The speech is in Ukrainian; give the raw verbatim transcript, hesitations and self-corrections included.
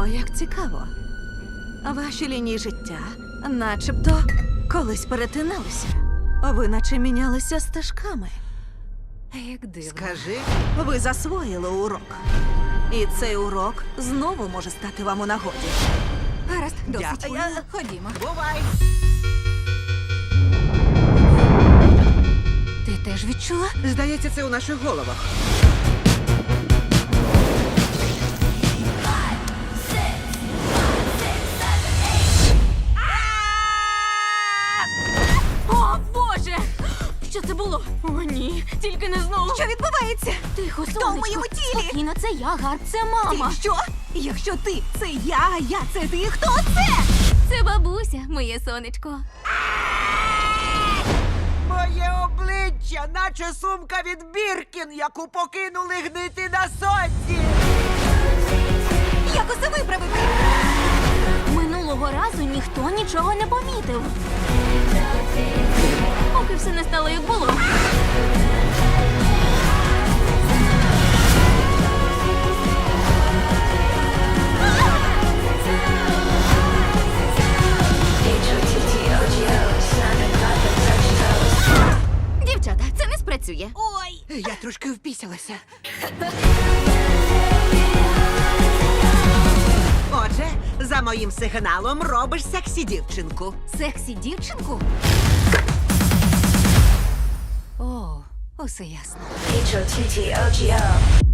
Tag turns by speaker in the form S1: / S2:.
S1: О, як цікаво. Ваші лінії життя начебто колись перетиналися. Ви наче мінялися стежками. Як дивно.
S2: Скажи,
S1: Ви засвоїли урок. І цей урок знову може стати вам у нагоді.
S3: Гаразд, досить.
S2: Дякую.
S3: Я- Ходімо.
S2: бувай!
S3: Ти теж відчула?
S2: Здається, це у наших головах.
S3: О, Боже! Що це було? О, ні, тільки не знову.
S4: Що відбувається?
S3: Тихо,
S4: Хто в
S3: сонечко.
S4: моєму тілі?
S3: Спокійно, це я, Гарп, це мама.
S4: Ти що? Якщо ти це я, а я це ти, хто це?
S3: Це бабуся, моє сонечко.
S2: Моє обличчя, наче сумка від Біркін, яку покинули гнити на сонці.
S4: Як усе виправити?
S3: Минулого разу ніхто нічого не помітив. Поки все не стало, як було. Дівчата, це не спрацює.
S4: Ой!
S2: Я трошки впісялася. Отже, за моїм сигналом робиш сексі дівчинку.
S3: Сексі дівчинку? О, усе ясно.
S5: H O T T O G O.